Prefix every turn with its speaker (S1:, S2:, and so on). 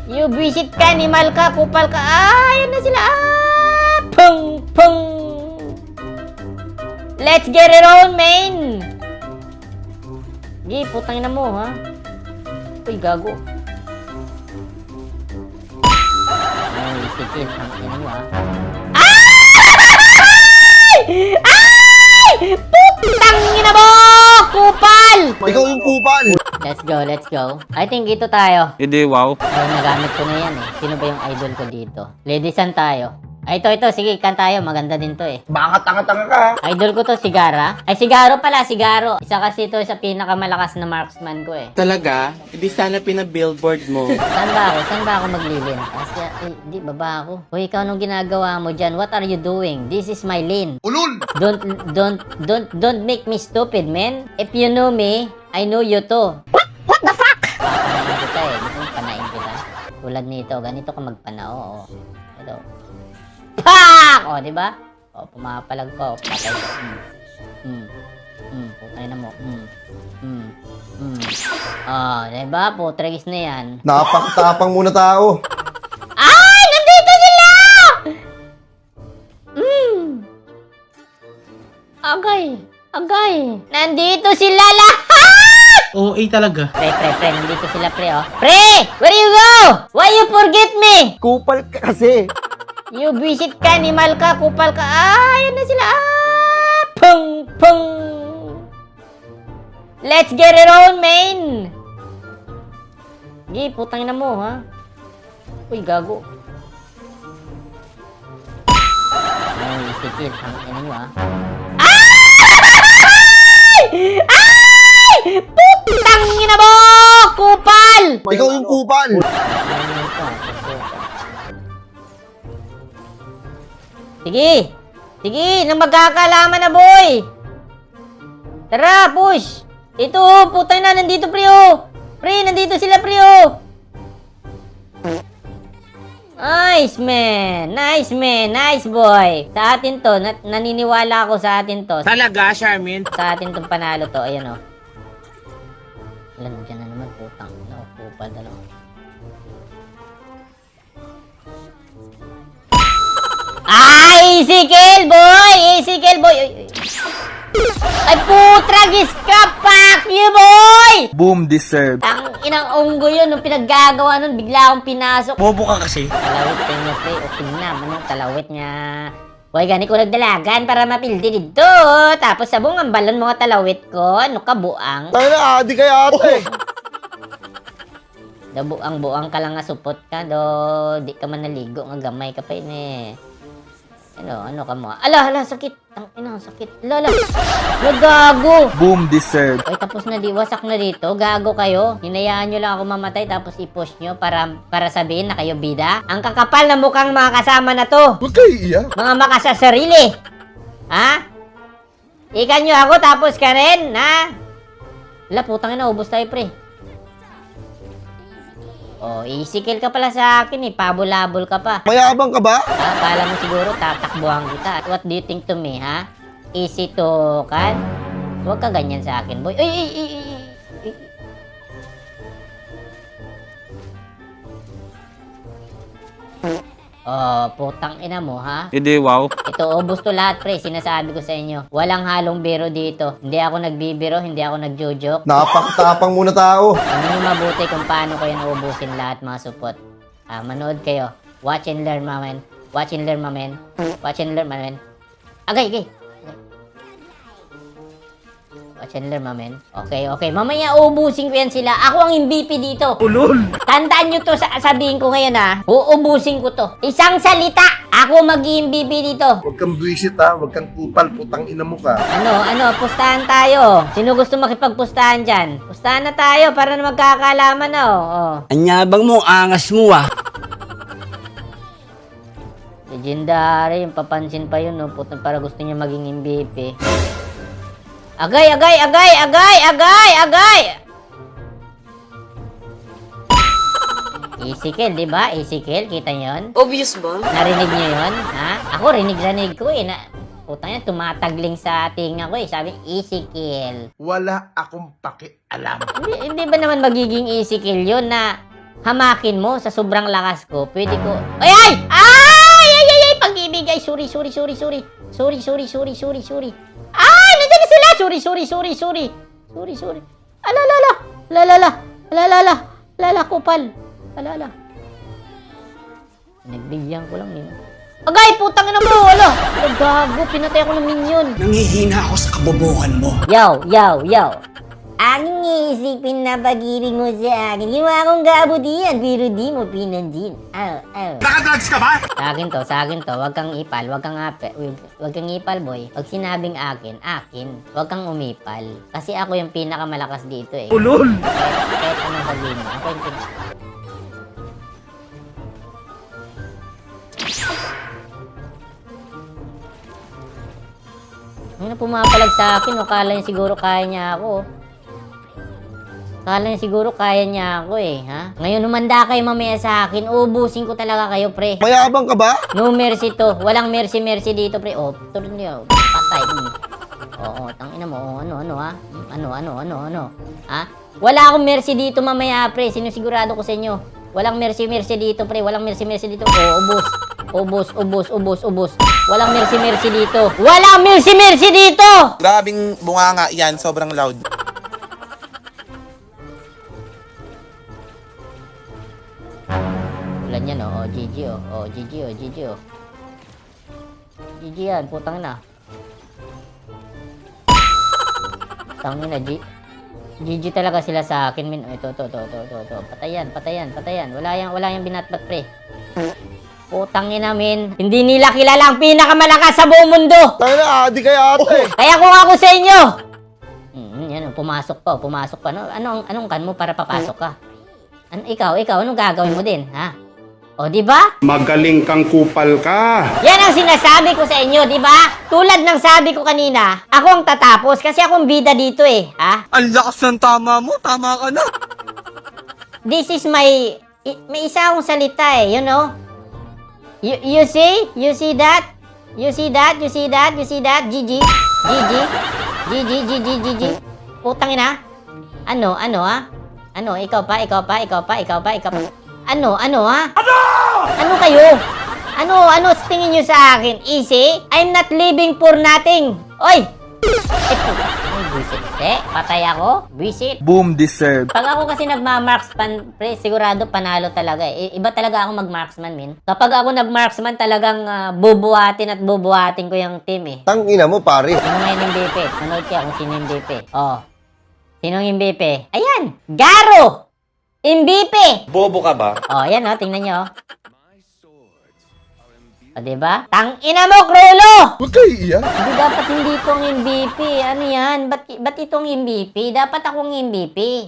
S1: You visit ka, animal ka, kupal ka. Ayan na sila. Pung, pung. Let's get it on, man. Gi, putang ina mo, ha? Uy, gago. Ay, sikit. Ang ina mo, ha? Ay! Ay! Putang ina mo! Kupal!
S2: Ikaw yung kupal.
S1: Let's go, let's go. I think ito tayo.
S3: Hindi, wow.
S1: Ay, nagamit ko na yan eh. Sino ba yung idol ko dito? Ladies and tayo. Ay, ito. Sige, kan tayo. Maganda din to eh.
S2: Baka tanga-tanga ka.
S1: Idol ko to, Sigara. Ay, Sigaro pala, Sigaro. Isa kasi ito sa pinakamalakas na marksman ko eh.
S4: Talaga? Hindi sana pinabillboard mo.
S1: Saan ba ako? Saan ba ako maglilin? Kasi, di, baba ako. Uy, ikaw nung ginagawa mo dyan, what are you doing? This is my lane.
S2: Ulul!
S1: Don't make me stupid, man. If you know me, I know you too. What the fuck? Papanain kita eh. Gusto mo panain kita? Tulad nito, ganito ka magpanao. Oh. Ito. Pak! O, di ba? O, pumapalag ko. Patay ko. Putay na mo. Di ba? Putragis na yan.
S2: Napakatapang muna tao.
S1: Ay! Nandito sila! Agay. Nandito sila lahat!
S4: OA talaga.
S1: Pre. Nandito sila, pre, oh. Pre! Where you go? Why you forget me?
S2: Kupal ka kasi.
S1: You visit ka, animal ka, kupal ka. Ayan na sila. Pung, pung. Let's get it on, man. Gi, putang ina mo, ha? Uy, gago. Ay, sikit. Ang ina mo, ha? Ay! Putang ina mo! Kupal!
S2: Ikaw yung kupal.
S1: Sige, nang magkakalaman na, boy! Tara, push! Ito, putang na, nandito, pre, oh! Pre, nandito sila, pre, oh! Nice, man! Nice, boy! Sa atin to, naniniwala ako sa atin to.
S4: Talaga, Charmin?
S1: Sa atin tong panalo to, ayan, oh. Alam, dyan na naman, putang. Nakupal, dalawa. Easy kill, boy! Ay, putragis ka! Fuck you, boy!
S3: Boom, deserve.
S1: Ang inang unggo yun, nung pinaggagawa nun, bigla akong pinasok.
S4: Bobo ka kasi.
S1: Talawit kayo niya, pre. O, tingnan mo nung talawit niya. Hoy, gani ko nagdalagan para mapildi dito. Tapos sabong ang balon mga talawit ko. Ano ka, buang?
S2: Tayo na, adi kaya ate.
S1: Da buang ka lang nga supot ka, do. Di ka man naligo, nga gamay ka pa yun eh. Ano ka mo? Ala, sakit. Ang ina, sakit. Lala. Gago.
S3: Boom, deserve.
S1: Oy, tapos na wasak na dito. Gago kayo. Hinayaan nyo lang ako mamatay tapos i-push nyo para sabihin na kayo bida. Ang kakapal na mukhang mga kasama na to.
S2: Huwag kayo iiyak.
S1: Mga makasasarili. Ha? Ikan nyo ako tapos ka rin, ha? Wala, putang ina, ubos tayo, pre. Oh, easy kill ka pala sa akin eh. Pabulabol ka pa.
S2: Mayabang ka ba?
S1: Akala mo siguro tatakbuhan kita. What do you think to me, ha? Easy to, kan? Huwag ka ganyan sa akin, boy. Ay. Oh, putang ina mo, ha?
S3: Hindi, wow.
S1: Ito, ubos to lahat, pre. Sinasabi ko sa inyo. Walang halong biro dito. Hindi ako nagbibiro, hindi ako nagjo-joke.
S2: Napakatapang muna tao.
S1: Ano yung mabuti kung paano ko yung naubusin lahat, mga supot. Manood kayo. Watch and learn, mamen. Agay. Watch and learn, mamen. Okay. Mamaya uubusin ko yan sila. Ako ang MVP dito.
S4: Ulol!
S1: Tandaan nyo to, sabihin ko ngayon, ha. Uubusin ko to. Isang salita. Ako mag-MVP dito.
S2: Huwag kang buwisit ha. Huwag kang kupal. Putang ina mo ka.
S1: Ano, pustahan tayo. Sino gusto makipagpustahan dyan? Pustahan na tayo para na magkakalaman na, oh.
S4: Anyabang mo, angas mo ah.
S1: Legendary, yung papansin pa yun, no? Puto, para gusto niya maging MVP. Agay! Easy kill, di ba? Easy kill, kita nyo yun?
S5: Obvious ba?
S1: Narinig nyo yun? Ha? Ako, rinig ko eh. Putang yan, tumatagling sa tinga ko eh. Sabi, easy kill.
S2: Wala akong pakialam.
S1: Hindi ba naman magiging easy kill yun na hamakin mo sa sobrang lakas ko, pwede ko... Ay! Pag-ibig! Ay, sorry. Ay, nandiyan na sila! Sorry. Alala, kupal. Alala. Nagbigyan ko lang yun. Agay, putang ina mo! Ala! Gago, pinatay ako ng minion.
S5: Nangihina ako sa kabobohan mo.
S1: Yo. Aking iisipin na pag-ibig mo sa akin. Ginawa akong gabo diyan, pero di mo pinandin.
S5: Nakadrugs ka ba?
S1: Sa akin to. Huwag kang ipal, huwag kang ipal, boy. Pag sinabing akin. Huwag kang umipal. Kasi ako yung pinakamalakas dito eh.
S2: Ulol!
S1: Kahit anong sabihin mo. Ako yung Ano pumapalag sa akin, o kala niya siguro kaya niya ako. Kala niya siguro kaya niya ako eh, ha? Ngayon humanda kayo mamaya sa akin, ubusin ko talaga kayo, pre.
S2: Mayabang ka ba?
S1: No mercy to. Walang mercy dito, pre. Oh, turun niyo. Patay. Oo, tangina mo. Ano, ha? Ano? Ha? Wala akong mercy dito mamaya, pre. Sinisigurado ko sa inyo. Walang mercy dito, pre. Walang mercy dito. Oh, ubos. Walang mercy dito. Walang mercy dito!
S6: Grabing bunganga yan, sobrang loud.
S1: Ulan yan, oh. GG, oh. GG yan, putang na. Tangin na, GG talaga sila sa akin, min. Ito. Patayan. Wala yang binatbat, pre. Putang ina, min. Hindi nila kilala ang pinakamalakas sa buong mundo.
S2: Tayo na, adi kaya ate.
S1: Kaya kung ako sa inyo. Yan, pumasok pa. Anong kan mo para papasok ka? Ikaw, anong gagawin mo din, ha? O, di ba?
S5: Magaling kang kupal ka.
S1: Yan ang sinasabi ko sa inyo, di ba? Tulad ng sabi ko kanina, ako ang tatapos kasi akong bida dito eh, ha?
S4: Ang lakas ng tama mo. Tama ka na.
S1: This is my... May isa akong salita eh, you know? You see? You see that? GG. Putang ina. Ano, ha? Ano, ikaw pa. Ano, ha? Ano kayo? Ano sa tingin nyo sa akin? Easy? I'm not living for nothing. Oy! Buisit. Patay ako? Buisit.
S3: Boom deserved.
S1: Pag ako kasi nagma-marksman, pre, sigurado panalo talaga eh. Iba talaga ako mag-marksman, min. Kapag ako nag-marksman, talagang bubuhatin ko yung team eh.
S2: Tangina mo, pare.
S1: Sino nga yung MVP? Manood kaya kung sino yung MVP. Oh. Sino yung MVP? Ayan! Garo! MVP!
S6: Bobo ka ba?
S1: Oh, ayan oh, tingnan nyo. O, diba? Tangina mo, Krolo!
S2: Huwag kayo iiyak.
S1: Hindi dapat hindi itong MVP. Ano yan? Ba't itong MVP? Dapat akong MVP.